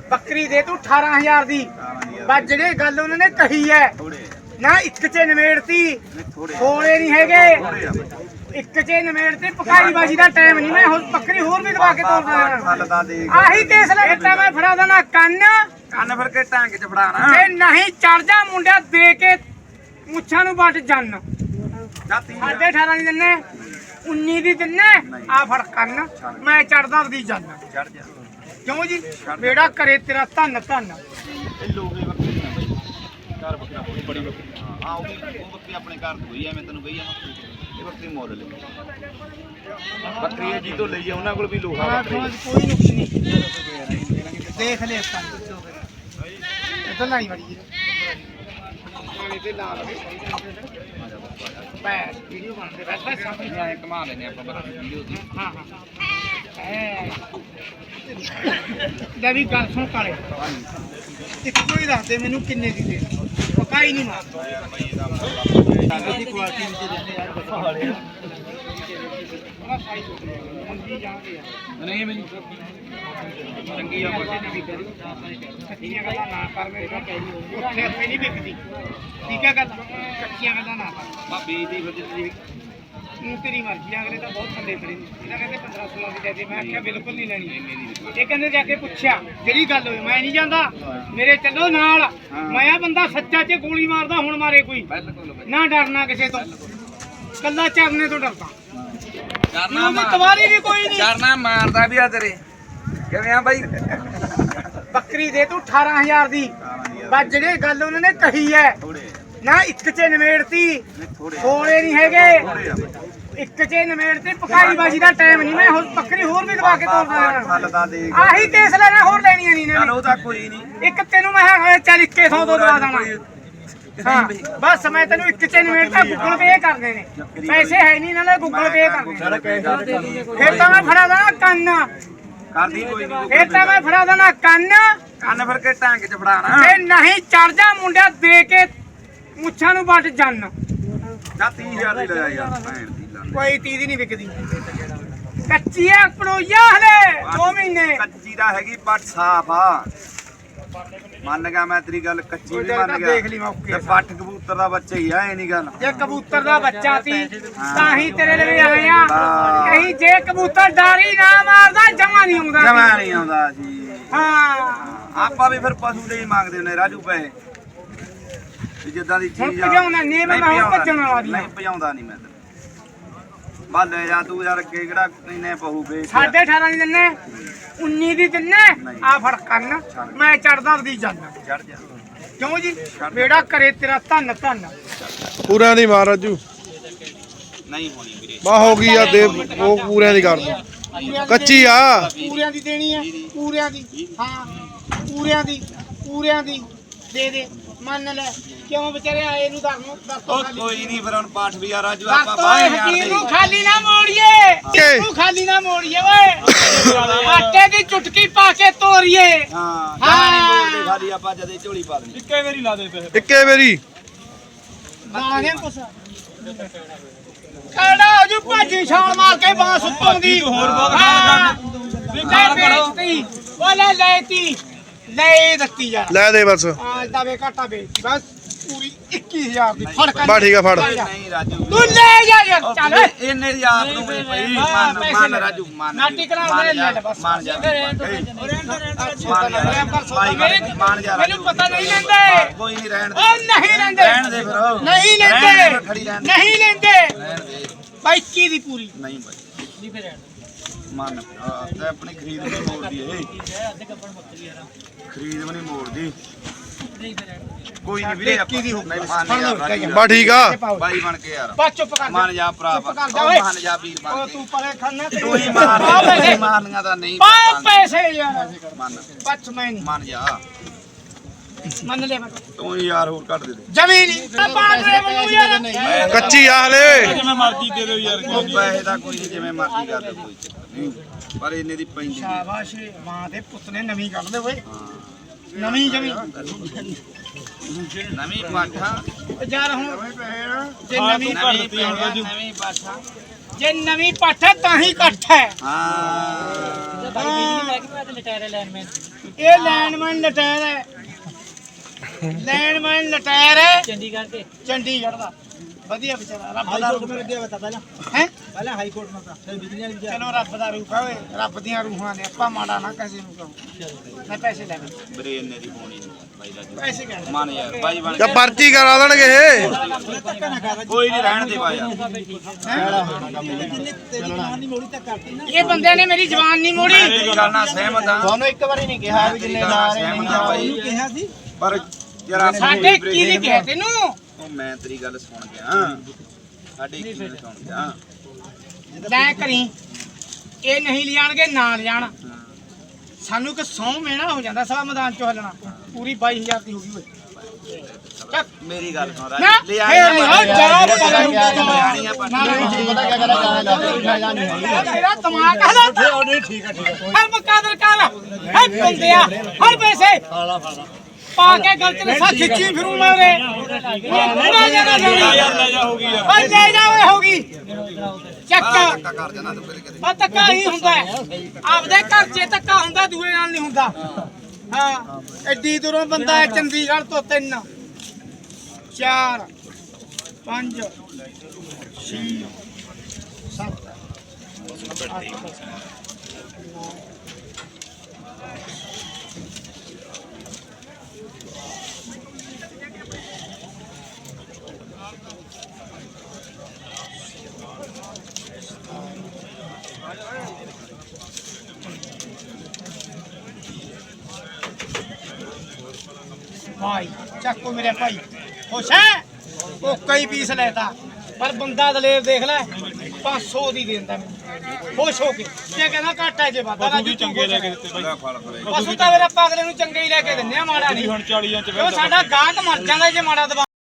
ਬੱਕਰੀ ਦੇ ਤੂੰ 18000 ਦੀ ਬਸ ਜਿਹੜੇ ਗੱਲ ਉਹਨਾਂ ਨੇ ਕਹੀ ਹੈ ਨਾ ਇੱਕ ਚ ਨਿਮੇੜਤੀ ਥੋੜੇ ਨਹੀਂ ਹੈਗੇ ਇੱਕ ਚ ਨਿਮੇੜਤੀ ਪਕਾਈ ਬਾਜੀ ਦਾ ਟਾਈਮ ਨਹੀਂ ਮੈਂ ਹੁਣ ਬੱਕਰੀ ਹੋਰ ਵੀ ਦਵਾ ਕੇ ਤੋਰਦਾ ਆਹੀ ਕੇਸ ਲੈ ਤਾਂ ਮੈਂ ਫੜਾ ਦੇਣਾ ਕੰਨ ਫਿਰ ਕੇ ਟਾਂਗ ਚ ਫੜਾਣਾ ਤੇ ਨਹੀਂ ਚੜ ਜਾ ਮੁੰਡਿਆ ਦੇ ਕੇ ਮੁੱਛਾਂ ਨੂੰ ਵੱਟ ਜੰਨ 18.5 ਦੀ ਦਿੰਨੇ 19 ਦੀ ਦਿੰਨੇ ਆ ਫੜ ਕੰਨ ਮੈਂ ਚੜਦਾ ਉਹਦੀ ਜੰਨ ਚੜ ਜਾ ਕਿਉਂ ਜੀ ਬੇੜਾ ਕਰੇ ਤੇਰਾ ਧੰਨ ਧੰਨ ਇਹ ਲੋਗੇ ਬੱਕਰੀ ਨਾ ਬਈ ਘਰ ਬੱਕਰਾ ਬੜੀ ਬੱਕਰੀ ਆ ਉਹ ਬੱਕਰੀ ਆਪਣੇ ਘਰ ਤੋਂ ਹੋਈ ਐ ਮੈਂ ਤੈਨੂੰ ਕਹੀ ਆ ਇਹ ਬੱਕਰੀ ਮੁੱਲ ਲਈ ਬੱਕਰੀ ਜੀ ਤੋਂ ਲਈ ਆ ਉਹਨਾਂ ਕੋਲ ਵੀ ਲੋਹਾ ਬੱਕਰੀ ਕੋਈ ਨੁਕਸ ਨਹੀਂ ਦੇਖ ਲੈ ਕੰਨ ਇਦਾਂ ਨਹੀਂ ਵੜੀ ਪਾਣੀ ਤੇ ਲਾ ਲਵੇ ਬੈਸ ਵੀਡੀਓ ਬਣਦੇ ਬਸ ਸਾਹਮਣੇ ਆਏ ਕਮਾ ਲੈਨੇ ਆਪਾਂ ਬੱਕਰੀ ਵੀਡੀਓ ਦੀ ਹਾਂ ਲੈ ਵੀ ਗੱਲ ਸੁਣ ਕਾਲੇ ਇੱਕੋ ਹੀ ਦੱਸ ਦੇ ਮੈਨੂੰ ਕਿੰਨੇ ਦੀ ਦੇ ਪਕਾਈ ਨਹੀਂ ਮਾਰਦਾ ਦੀ ਕੁਆਲਿਟੀ ਵਿੱਚ ਦਿੰਦੇ ਯਾਰ ਬਸਾਲੇ ਬੜਾ ਸਾਈਜ਼ ਮੰਗੀ ਜਾਂਦੇ ਆ ਨਹੀਂ ਮੈਨੂੰ ਚੰਗੀ ਆ ਬੱਕਰੀ ਦੀ ਵਿਕਦੀ ਕੱਚੀਆਂ ਗੱਲਾਂ ਨਾ ਕਰ ਮੇਰੇ ਕੋਲ ਕਹਿ ਉੱਥੇ ਇੱਥੇ ਨਹੀਂ ਵਿਕਦੀ ਠੀਕ ਹੈ ਗੱਲ ਕੱਚੀਆਂ ਗੱਲਾਂ ਨਾ ਕਰ ਭਾਬੀ ਦੀ ਫਿਰ ਤੇਰੀ ਮਰਜ਼ੀ ਅਗਲੇ ਤਾਂ ਬਹੁਤ ਬੰਦੇ ਖੜੇ ਨੇ ਇਹਨਾਂ ਕਹਿੰਦੇ 15-16 ਦੀ ਦੇ ਦੇ ਮੈਂ ਆਖਿਆ ਬਿਲਕੁਲ ਨਹੀਂ ਲੈਣੀ ਇਹ ਕਹਿੰਦੇ ਜਾ ਕੇ ਪੁੱਛਿਆ ਜਿਹੜੀ ਗੱਲ ਹੋਈ ਮੈਂ ਨਹੀਂ ਜਾਂਦਾ ਮੇਰੇ ਚੱਲੋ ਨਾਲ ਮੈਂ ਆ ਬੰਦਾ ਸੱਚਾ ਚ ਗੋਲੀ ਮਾਰਦਾ ਹੁਣ ਮਾਰੇ ਕੋਈ ਨਾ ਡਰਨਾ ਕਿਸੇ ਤੋਂ ਕੱਲਾ ਚਰਨੇ ਤੋਂ ਡਰਦਾ ਕਰਨਾ ਤਵਾਰੀ ਵੀ ਕੋਈ ਨਹੀਂ ਕਰਨਾ ਮਾਰਦਾ ਵੀ ਆ ਤੇਰੇ ਕਿਵੇਂ ਆ ਬਾਈ ਬੱਕਰੀ ਦੇ ਤੂੰ 18000 ਦੀ ਬਸ ਜਿਹੜੇ ਗੱਲ ਉਹਨਾਂ ਨੇ ਕਹੀ ਹੈ ਨਾ ਇੱਕ ਚ ਨਿਮੇੜਤੀ ਥੋੜੇ ਨਹੀਂ ਹੈਗੇ ਇੱਕ ਚ ਨਿਮੇੜਤੀ ਪਕਾਈ ਬਾਜੀ ਦਾ ਟਾਈਮ ਨਹੀਂ ਮੈਂ ਹੁਣ ਬੱਕਰੀ ਹੋਰ ਵੀ ਦਵਾ ਕੇ ਤੋਰਦਾ ਆਹੀ ਕੇਸ ਲੈਣਾ ਹੋਰ ਲੈਣੀਆਂ ਨਹੀਂ ਨੇ ਉਹ ਤਾਂ ਕੋਈ ਨਹੀਂ ਇੱਕ ਤੈਨੂੰ ਮੈਂ ਚੱਲ 2100 ਤੋਂ ਦਵਾ ਦੇਣਾ ਹਾਂ ਬਸ ਮੈਂ ਤੈਨੂੰ ਇੱਕ ਚ ਨਿਮੇੜਤਾ ਗੂਗਲ ਪੇ ਕਰਨੇ ਨੇ ਪੈਸੇ ਹੈ ਨਹੀਂ ਨਾਲੇ ਗੂਗਲ ਪੇ ਕਰਨੇ ਫਿਰ ਤਾਂ ਮੈਂ ਫੜਾ ਦੇਣਾ ਕੰਨ ਕਰਦੀ ਕੋਈ ਨਹੀਂ ਫਿਰ ਤਾਂ ਮੈਂ ਫੜਾ ਦੇਣਾ ਕੰਨ ਫਿਰ ਕੇ ਟਾਂਗ ਚ ਫੜਾਣਾ ਤੇ ਨਹੀਂ ਚੜ ਜਾ ਮੁੰਡਿਆ ਦੇ ਕੇ ਮੁੱਛਾਂ ਨੂੰ ਵੱਟ ਜੰਨ 30000 ਦੀ ਲੈ ਯਾਰ ਭੈਣ ਦੀ ਲੰਨ ਕੋਈ 30 ਦੀ ਨਹੀਂ ਵਿਕਦੀ ਕੱਚੀ ਆ ਪੜੋਈਆ ਹਲੇ 2 ਮਹੀਨੇ ਕੱਚੀ ਦਾ ਹੈਗੀ ਪੱਟ ਸਾਫ ਆ ਮੰਨ ਗਿਆ ਮੈਂ ਤੇਰੀ ਗੱਲ ਕੱਚੀ ਵੀ ਮੰਨ ਗਿਆ ਦੇਖ ਲਈ ਮੌਕੇ ਤੇ ਪੱਟ ਕਬੂਤਰ ਦਾ ਬੱਚਾ ਹੀ ਆ ਇਹ ਨਹੀਂ ਗੱਲ ਜੇ ਕਬੂਤਰ ਦਾ ਬੱਚਾ ਸੀ ਤਾਂ ਹੀ ਤੇਰੇ ਲਈ ਆਏ ਆ ਕਹੀਂ ਜੇ ਕਬੂਤਰ ਡਾਰੀ ਨਾ ਮਾਰਦਾ ਜਮਾ ਨਹੀਂ ਆਉਂਦਾ ਜਮਾ ਨਹੀਂ ਆਉਂਦਾ ਜੀ ਹਾਂ ਆਪਾਂ ਵੀ ਫਿਰ ਪਸ਼ੂ ਦੇ ਹੀ ਮੰਗਦੇ ਨੇ ਰਾਜੂ ਪੈਸੇ ਜਿੱਦਾਂ ਦੀ ਹੁਣ ਚੀਜ਼ ਆ ਭਜਾਉਣਾ ਨਹੀਂ ਮੈਂ ਹੁਣ ਭੱਜਣ ਵਾਲਾ ਵੀ ਨਹੀਂ ਭਜਾਉਂਦਾ ਨਹੀਂ ਮੈਂ ਤੈਨੂੰ ਬੱਲ ਲੈ ਜਾ ਤੂੰ ਯਾਰ ਅੱਗੇ ਕਿਹੜਾ ਇੰਨੇ ਪਹੂ ਵੇਚ 18.5 ਦੀ ਦਿੰਨੇ 19 ਦੀ ਦਿੰਨੇ ਆ ਫੜ ਕੰਨ ਮੈਂ ਚੜਦਾ ਉਹਦੀ ਜੰਨ ਚੜ ਜਾ ਕਿਉਂ ਜੀ ਬੇੜਾ ਕਰੇ ਤੇਰਾ ਧੰਨ ਧੰਨ ਪੂਰਿਆਂ ਦੀ ਮਾਰ ਰਾਜੂ ਨਹੀਂ ਹੋਣੀ ਵੀਰੇ ਬਾ ਹੋ ਗਈ ਆ ਦੇ ਉਹ ਪੂਰਿਆਂ ਦੀ ਕਰ ਦੋ ਕੱਚੀ ਆ ਪੂਰਿਆਂ ਦੀ ਦੇਣੀ ਹੈ ਪੂਰਿਆਂ ਦੀ ਹਾਂ ਪੂਰਿਆਂ ਦੀ ਦੇ ਦੇ ਮੰਨ ਲੈ ਕਿਉਂ ਵਿਚਾਰੇ ਆਏ ਨੂੰ ਦੱਸ ਕੋਈ ਨਹੀਂ ਫਿਰ ਹੁਣ ਪਾਠ ਵੀ ਆ ਰਾਜੂ ਆਪਾਂ ਆਪਾਂ ਬਾਹਰ ਹਕੀਮ ਨੂੰ ਖਾਲੀ ਨਾ ਮੋੜੀਏ ਤੂੰ ਖਾਲੀ ਨਾ ਮੋੜੀਏ ਓਏ ਆਟੇ ਦੀ ਚੁਟਕੀ ਪਾ ਕੇ ਤੋਰੀਏ ਹਾਂ ਨਹੀਂ ਬੋਲਦੇ ਖਾਲੀ ਆਪਾਂ ਜਦੇ ਝੋਲੀ ਪਾ ਦੇਣੀ ਇੱਕੇ ਵਾਰੀ ਲਾਣੇ ਕੁਛ ਕੜਾ ਜੂ ਭਾਜੀ ਛਾਲ ਮਾਰ ਕੇ ਬਾਂਸ ਉੱਤੋਂ ਦੀ ਹੋਰ ਬਹੁਤ ਵੇਚਤੀ ਉਹ ਲੈਤੀ ਲੈ ਦਿੱਤੀ ਯਾਰ ਲੈ ਦੇ ਬਸ ਇਦਾਂ ਵੇ ਘਾਟਾ ਵੇਚਤੀ ਬਸ ਪੂਰੀ 21000 ਦੀ ਫੜ ਕਰ ਬਾ ਠੀਕ ਆ ਫੜ ਨਹੀਂ ਰਾਜੂ ਤੂੰ ਲੈ ਜਾ ਯਾਰ ਚੱਲ ਇਹਨੇ ਦੀ ਆਪ ਨੂੰ ਵੀ ਪਈ ਮੰਨ ਰਾਜੂ ਮੰਨ ਨਾਟੀ ਕਰਾ ਲੈ ਲੈ ਬਸ ਮੰਨ ਜਾ ਮੰਨ ਜਾ ਮੈਨੂੰ ਪਤਾ ਨਹੀਂ ਲੈਂਦੇ ਕੋਈ ਨਹੀਂ ਰਹਿਣ ਦੇ ਉਹ ਨਹੀਂ ਲੈਂਦੇ ਰਹਿਣ ਦੇ ਫਿਰ ਨਹੀਂ ਲੈਂਦੇ ਨਹੀਂ ਲੈਂਦੇ ਰਹਿਣ ਦੇ 22 ਦੀ ਪੂਰੀ ਨਹੀਂ ਬਾਈ ਨਹੀਂ ਫਿਰ ਮੰਨ ਤੇ ਆਪਣੀ ਖਰੀਦ ਵੀ ਮੋੜਦੀ ਇਹ ਖਰੀਦ ਵੀ ਨਹੀਂ ਮੋੜਦੀ ਕੋਈ ਨਹੀਂ ਵੀਰੇ ਆਪਾਂ ਨਹੀਂ ਮੰਨ ਜਾ ਬਾ ਠੀਕ ਆ ਬਾਈ ਬਣ ਕੇ ਯਾਰ ਬਸ ਚੁੱਪ ਕਰ ਮੰਨ ਜਾ ਭਰਾ ਚੁੱਪ ਕਰ ਜਾ ਓਏ ਮੰਨ ਜਾ ਵੀਰ ਬਣ ਉਹ ਕੇ ਤੂੰ ਪਰੇ ਖੜਨਾ ਤੂੰ ਹੀ ਮਾਰ ਮਾਰਨੀਆਂ ਤਾਂ ਨਹੀਂ ਪਾ ਪੈਸੇ ਯਾਰ ਮੰਨ ਬੱਚ ਮੈਂ ਨਹੀਂ ਮੰਨ ਜਾ ਮੰਨ ਲੈ ਮੈਂ ਤੂੰ ਹੀ ਯਾਰ ਹੋਰ ਕੱਢ ਦੇ ਦੇ ਜ਼ਮੀਨ ਪਾੜ ਦੇ ਮੈਨੂੰ ਯਾਰ ਕੱਚੀ ਆ ਹਲੇ ਜਿਵੇਂ ਮਰਜ਼ੀ ਦੇ ਦਿਓ ਯਾਰ ਪੈਸੇ ਦਾ ਕੋਈ ਨਹੀਂ ਜਿਵੇਂ ਮਰਜ਼ੀ ਕਰ ਦੇ ਕੋਈ ਚੱਕਰ ਨਹੀਂ ਪਰ ਇੰਨੇ ਦੀ ਪੈਂਦੀ ਨਹੀਂ ਸ਼ਾਬਾਸ਼ ਮਾਂ ਦੇ ਪੁੱਤ ਨੇ ਨਵੀਂ ਕੱਢ ਦੇ ਓਏ ਨਵੀਂ ਜ਼ਮੀਨ ਨਵੀਂ ਪਾਠਾ ਯਾਰ ਹੁਣ ਜੇ ਨਵੀਂ ਨਵੀਂ ਪਾਠਾ ਜੇ ਨਵੀਂ ਪੱਠ ਹੈ ਤਾਂ ਹੀ ਇਕੱਠ ਹੈ ਹਾਂ ਇਹ ਲੈਂਡਮੈਨ ਲਟੈਰ ਹੈ ਲੈਂਡਮੈਨ ਲਟੈਰ ਹੈ ਚੰਡੀਗੜ੍ਹ ਦਾ ਵਧੀਆ ਵਿਚਾਰਾ ਰੱਬ ਦਾ ਰੂਪ ਲੱਗਿਆ ਵਾ ਪਹਿਲਾਂ ਹੈ ਪਹਿਲਾਂ ਹਾਈ ਕੋਰਟ ਮਾ ਫਿਰ ਬਿਜਲੀ ਵਾਲੀ ਚਲੋ ਰੱਬ ਦਾ ਰੂਪ ਓਏ ਰੱਬ ਦੀਆਂ ਰੂਹਾਂ ਨੇ ਆਪਾਂ ਮਾੜਾ ਨਾ ਕਿਸੇ ਨੂੰ ਕਹੋ ਮੈਂ ਪੈਸੇ ਲੈ ਲੈ ਬਰੇ ਇੰਨੇ ਦੀ ਹੋਣੀ ਨਹੀਂ ਬਾਈ ਦਾ ਪੈਸੇ ਕਹਿ ਮਨ ਯਾਰ ਬਾਈ ਬਣ ਜਾਂ ਪਰਚੀ ਕਰਾ ਦੇਣਗੇ ਇਹ ਕੋਈ ਨਹੀਂ ਰਹਿਣ ਦੇ ਬਾਈ ਇਹ ਬੰਦੇ ਨੇ ਮੇਰੀ ਜ਼ਬਾਨ ਨਹੀਂ ਮੋੜੀ ਮੇਰੀ ਗੱਲ ਨਾਲ ਸਹਿਮਤ ਆ ਤੁਹਾਨੂੰ ਇੱਕ ਵਾਰੀ ਨਹੀਂ ਕਿਹਾ ਵੀ ਜਿੰਨੇ ਲਾ ਰਹੇ ਸਹਿਮਤ ਆ ਬਾਈ ਕਿਹਾ ਸੀ ਪਰ ਜਰਾ ਸਾਡੇ ਕੀ ਨੇ ਕਿਹਾ ਤੈਨੂੰ ਉਹ ਮੈਂ ਤੇਰੀ ਗੱਲ ਸੁਣ ਗਿਆ ਸਾਡੇ ਕੀ ਗੱਲ ਸੁਣ ਗਿਆ ਲੈ ਕਰੀ ਇਹ ਨਹੀਂ ਲਿਆਣਗੇ ਨਾ ਲਿਆਣ ਸਾਨੂੰ ਕਿ 100 ਮਹੀਨਾ ਹੋ ਜਾਂਦਾ ਸਵਾ ਮੈਦਾਨ ਚੋਂ ਹਲਣਾ ਪੂਰੀ 22000 ਦੀ ਹੋ ਗਈ ਓਏ ਚੱਕ ਮੇਰੀ ਗੱਲ ਸੁਣ ਨਾ ਲੈ ਫੇਰ ਨਹੀਂ ਹੋ ਜਾ ਪਤਾ ਕਿਆ ਕਰਾ ਤੇਰਾ ਦਿਮਾਗ ਹਲਾ ਨਹੀਂ ਠੀਕ ਹੈ ਹਰ ਮਕਾਦਰ ਕਰ ਹਰ ਬੰਦਿਆ ਹਰ ਪੈਸੇ ਪਾ ਕੇ ਗਲਤ ਨਸਾ ਖਿੱਚੀ ਫਿਰੂ ਮੈਂ ਰੇ ਪੂਰਾ ਜਾਣਾ ਲੈ ਜਾ ਹੋ ਗਈ ਓਏ ਲੈ ਜਾ ਓਏ ਹੋ ਗਈ ਚੱਕ ਕਰ ਜਾਣਾ ਤੂੰ ਫਿਰ ਕਿਤੇ ਆ ਧੱਕਾ ਹੀ ਹੁੰਦਾ ਆਪਦੇ ਘਰ 'ਚ ਧੱਕਾ ਹੁੰਦਾ ਦੂਏ ਨਾਲ ਨਹੀਂ ਹੁੰਦਾ ਹਾਂ ਐਡੀ ਦੂਰੋਂ ਬੰਦਾ ਹੈ ਚੰਡੀਗੜ੍ਹ ਤੋਂ 3 4 5 6 7 ਭਾਈ ਚੱਕੋ ਮੇਰੇ ਭਾਈ ਖੁਸ਼ ਹੈ ਉਹ ਕਈ ਪੀਸ ਲੈਤਾ ਪਰ ਬੰਦਾ ਦਲੇਰ ਦੇਖ ਲੈ 500 ਦੀ ਦਿੰਦਾ ਮੈਨੂੰ ਖੁਸ਼ ਹੋ ਕੇ ਇਹ ਕਹਿੰਦਾ ਘੱਟ ਹੈ ਜੇ ਵਾਦਾ ਰਾਜੂ ਚੰਗੇ ਲੈ ਕੇ ਦਿੱਤੇ ਭਾਈ ਪਸ਼ੂ ਤਾਂ ਫਿਰ ਆਪਾਂ ਅਗਲੇ ਨੂੰ ਚੰਗੇ ਹੀ ਲੈ ਕੇ ਦਿੰਨੇ ਆ ਮਾੜਾ ਨਹੀਂ ਹੁਣ 40 ਇੰਚ ਸਾਡਾ ਗਾਹਕ ਮਰ ਜਾਂਦਾ ਜੇ ਮਾੜਾ ਦਬਾ